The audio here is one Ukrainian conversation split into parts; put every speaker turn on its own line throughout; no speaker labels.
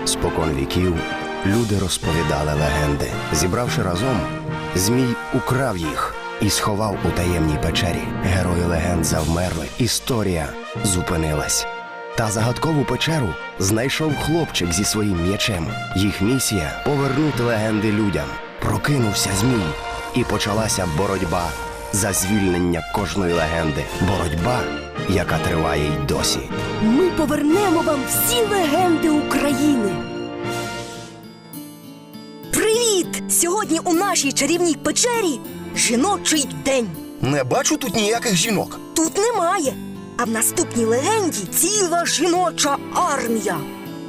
Спокон віків люди розповідали легенди. Зібравши разом, Змій украв їх і сховав у таємній печері. Герої легенд завмерли, історія зупинилась. Та загадкову печеру знайшов хлопчик зі своїм м'ячем. Їх місія – повернути легенди людям. Прокинувся Змій, і почалася боротьба за звільнення кожної легенди. Боротьба, яка триває й досі.
Ми повернемо вам всі легенди України. Привіт! Сьогодні у нашій чарівній печері жіночий день.
Не бачу тут ніяких жінок.
Тут немає. А в наступній легенді ціла жіноча армія.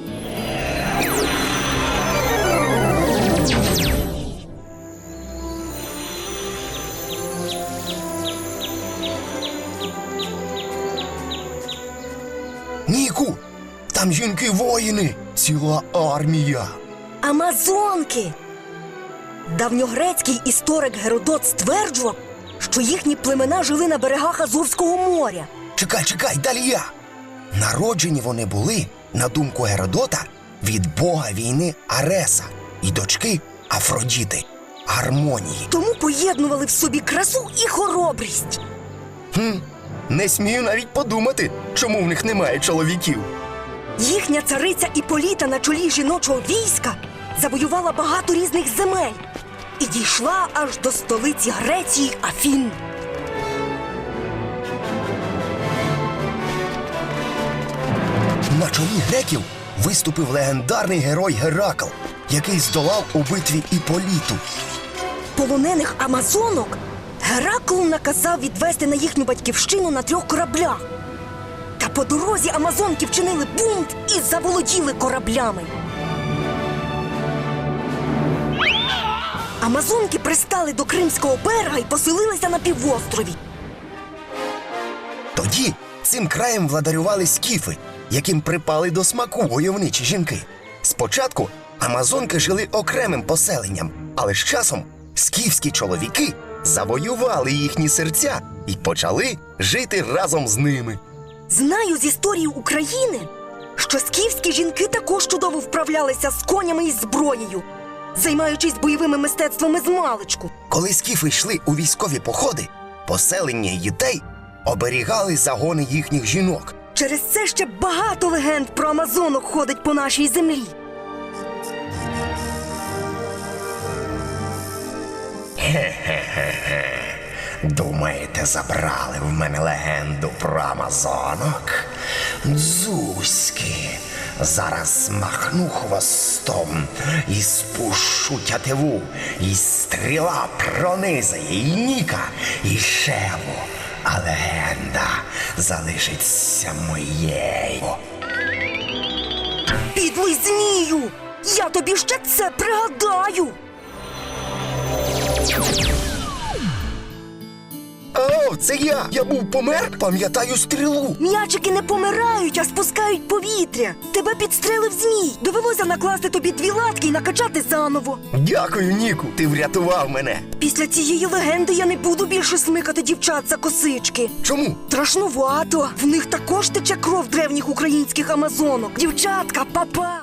Ніку, там жінки-воїни, ціла армія.
Амазонки. Давньогрецький історик Геродот стверджував, що їхні племена жили на берегах Азовського моря.
Чекай, далі я. Народжені вони були, на думку Геродота, від бога війни Ареса і дочки Афродіти Гармонії.
Тому поєднували в собі красу і хоробрість.
Не смію навіть подумати, чому в них немає чоловіків.
Їхня цариця Іполіта на чолі жіночого війська завоювала багато різних земель і дійшла аж до столиці Греції Афін.
На чолі греків виступив легендарний герой Геракл, який здолав у битві Іполіту.
Полонених амазонок Геракл наказав відвести на їхню батьківщину на 3 кораблях. Та по дорозі амазонки вчинили бунт і заволоділи кораблями. Амазонки пристали до Кримського берега і поселилися на півострові.
Тоді цим краєм владарювали скіфи, яким припали до смаку войовничі жінки. Спочатку амазонки жили окремим поселенням, але з часом скіфські чоловіки завоювали їхні серця і почали жити разом з ними.
Знаю з історії України, що скіфські жінки також чудово вправлялися з конями і зброєю, займаючись бойовими мистецтвами змалечку.
Коли скіфи йшли у військові походи, поселення й дітей оберігали загони їхніх жінок.
Через це ще багато легенд про амазонок ходить по нашій землі.
Думаєте, забрали в мене легенду про амазонок? Дзузьки, зараз махну хвостом і спущу тятиву, і стріла пронизає і Ніка, і Шеву, а легенда залишиться моєю.
Підлий змію! Я тобі ще це пригадаю!
О, це я! Я був помер, пам'ятаю стрілу.
М'ячики не помирають, а спускають повітря. Тебе підстрелив змій. Довелося накласти тобі 2 латки і накачати заново.
Дякую, Ніку, ти врятував мене.
Після цієї легенди я не буду більше смикати дівчат за косички.
Чому?
Страшнувато. В них також тече кров древніх українських амазонок. Дівчатка, па-па!